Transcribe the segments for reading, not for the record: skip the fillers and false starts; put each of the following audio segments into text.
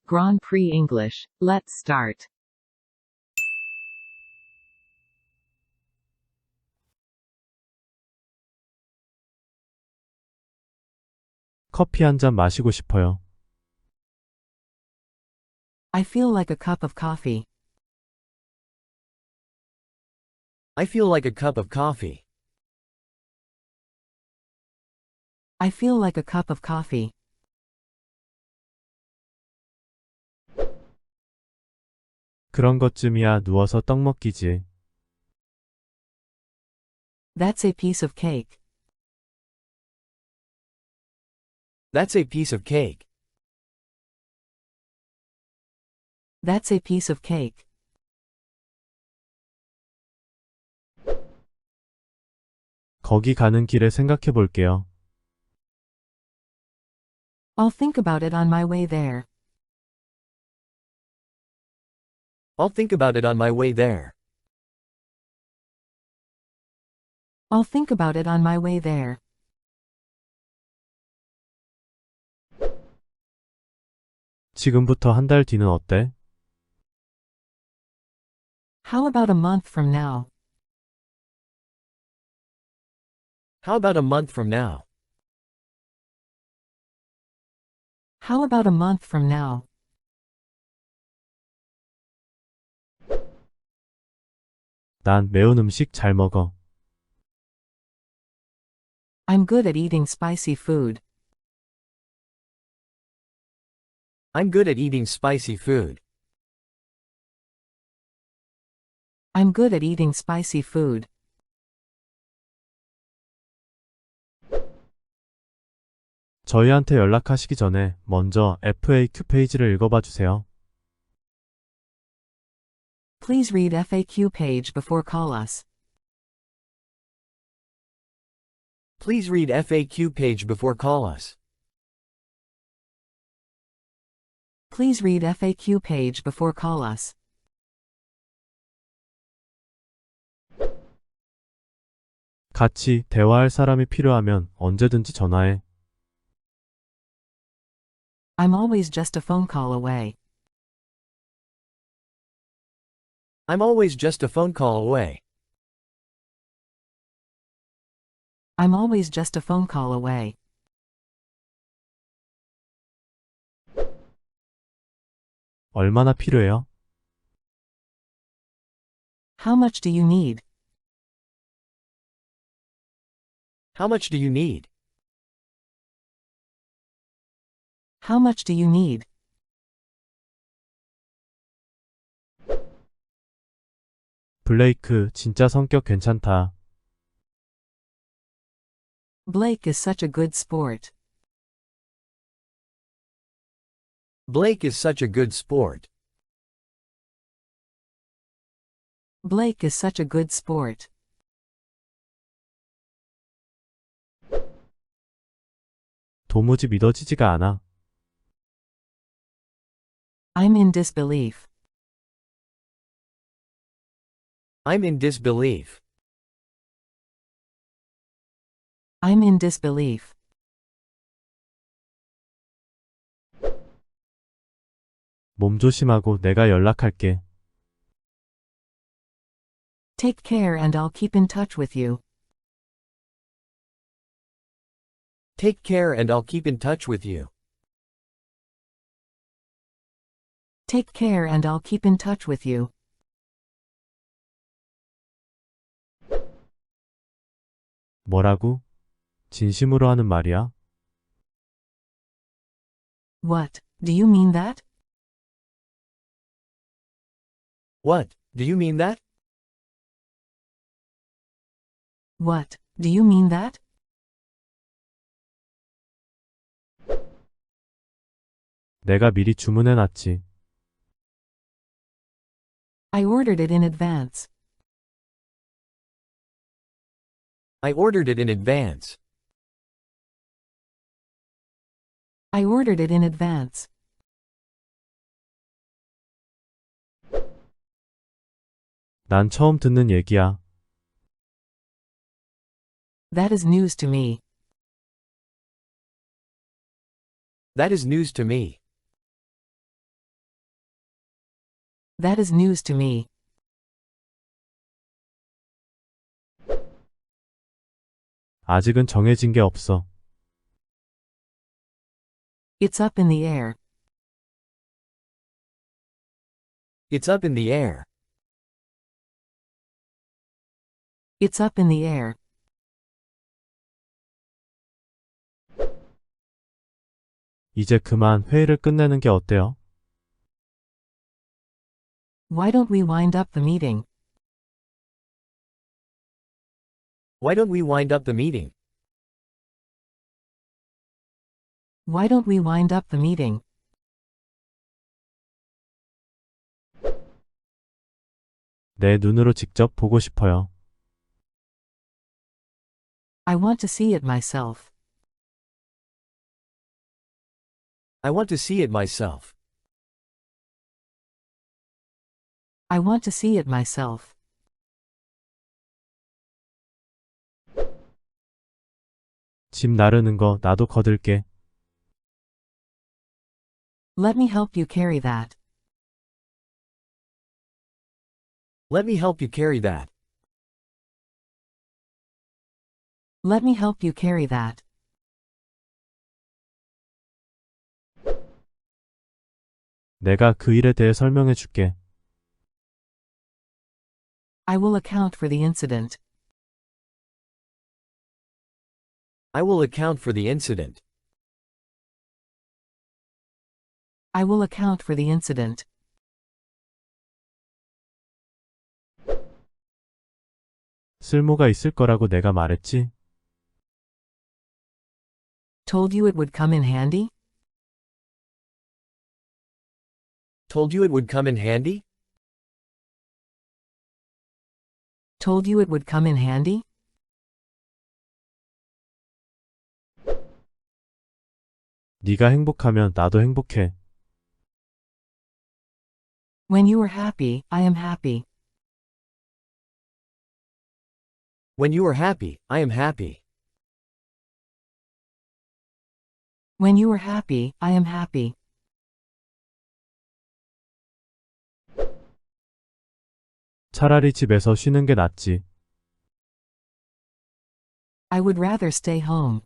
Grand Prix English. Let's start. 커피 한 잔 마시고 싶어요. I feel like a cup of coffee. I feel like a cup of coffee. I feel like a cup of coffee. 그런 것쯤이야 누워서 떡 먹기지. That's a piece of cake. That's a piece of cake. That's a piece of cake. 거기 가는 길에 생각해 볼게요. I'll think about it on my way there. I'll think about it on my way there. I'll think about it on my way there. 지금부터 한 달 뒤는 어때? How about a month from now? How about a month from now? How about a month from now? 난 매운 음식 잘 먹어. I'm good at eating spicy food. I'm good at eating spicy food. I'm good at eating spicy food. 저희한테 연락하시기 전에 먼저 FAQ 페이지를 읽어봐 주세요. Please read FAQ page before call us. Please read FAQ page before call us. Please read FAQ page before call us. 같이 대화할 사람이 필요하면 언제든지 전화해. I'm always just a phone call away. I'm always just a phone call away. I'm always just a phone call away. 얼마나 필요해요? How much do you need? How much do you need? How much do you need? 블레이크 진짜 성격 괜찮다. Blake is such a good sport. Blake is such a good sport. Blake is such a good sport. 도무지 믿어지지가 않아. I'm in disbelief. I'm in disbelief. I'm in disbelief. 몸 조심하고 내가 연락할게. Take care and I'll keep in touch with you. Take care and I'll keep in touch with you. Take care and I'll keep in touch with you. 뭐라고? 진심으로 하는 말이야? What, do you mean that? What, do you mean that? What, do you mean that? 내가 미리 주문해놨지. I ordered it in advance. I ordered it in advance. I ordered it in advance. 난 처음 듣는 얘기야. That is news to me. That is news to me. That is news to me. 아직은 정해진 게 없어. It's up in the air. It's up in the air. It's up in the air. 이제 그만 회의를 끝내는 게 어때요? Why don't we wind up the meeting? Why don't we wind up the meeting? Why don't we wind up the meeting? 내 눈으로 직접 보고 싶어요. I want to see it myself. I want to see it myself. I want to see it myself. 짐 나르는 거 나도 거들게. Let me help you carry that. Let me help you carry that. Let me help you carry that. 내가 그 일에 대해 설명해 줄게. I will account for the incident. I will account for the incident. I will account for the incident. 쓸모가 있을 거라고 내가 말했지? Told you it would come in handy? Told you it would come in handy? Told you it would come in handy? 네가 행복하면 나도 행복해. When you are happy, I am happy. When you are happy, I am happy. When you are happy, I am happy. 차라리 집에서 쉬는 게 낫지. I would rather stay home.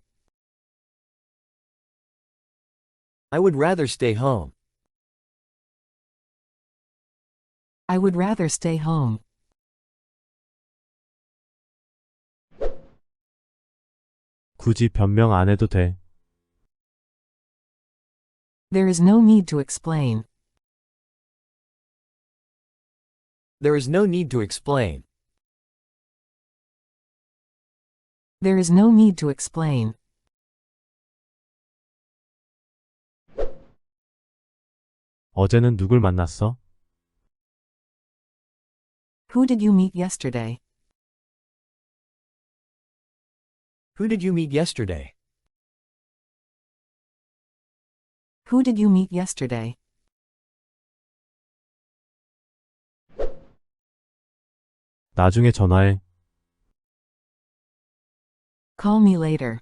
I would rather stay home. I would rather stay home. 굳이 변명 안 해도 돼. There is no need to explain. There is no need to explain. There is no need to explain. 어제는 누굴 만났어? Who did you meet yesterday? Who did you meet yesterday? Who did you meet yesterday? 나중에 전화해. Call me later.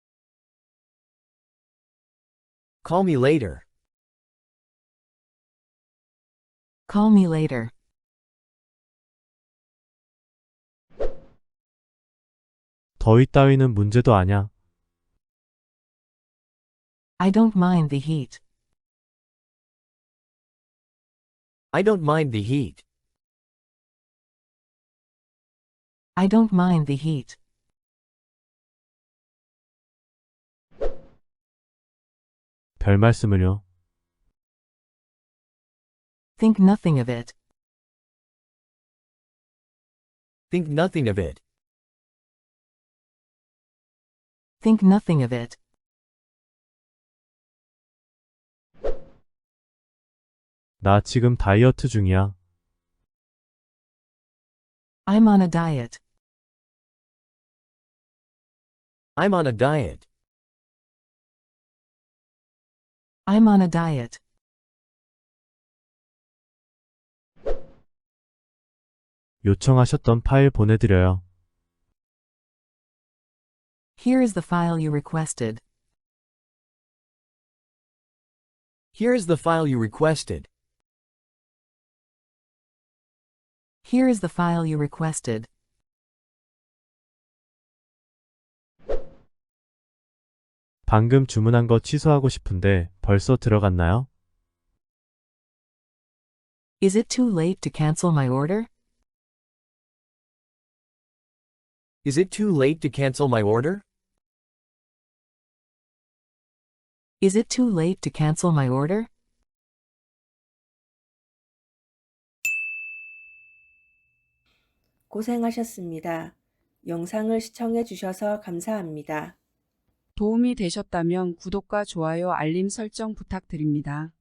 Call me later. Call me later. 더위 따위는 문제도 아냐. I don't mind the heat. I don't mind the heat. I don't mind the heat. 별 말씀을요. Think nothing of it. Think nothing of it. Think nothing of it. 나 지금 다이어트 중이야. I'm on a diet. I'm on a diet. I'm on a diet. 요청하셨던 파일 보내드려요. Here is the file you requested. Here is the file you requested. Here is the file you requested. 방금 주문한 거 취소하고 싶은데 벌써 들어갔나요? Is it too late to cancel my order? Is it too late to cancel my order? Is it too late to cancel my order? 고생하셨습니다. 영상을 시청해 주셔서 감사합니다. 도움이 되셨다면 구독과 좋아요, 알림 설정 부탁드립니다.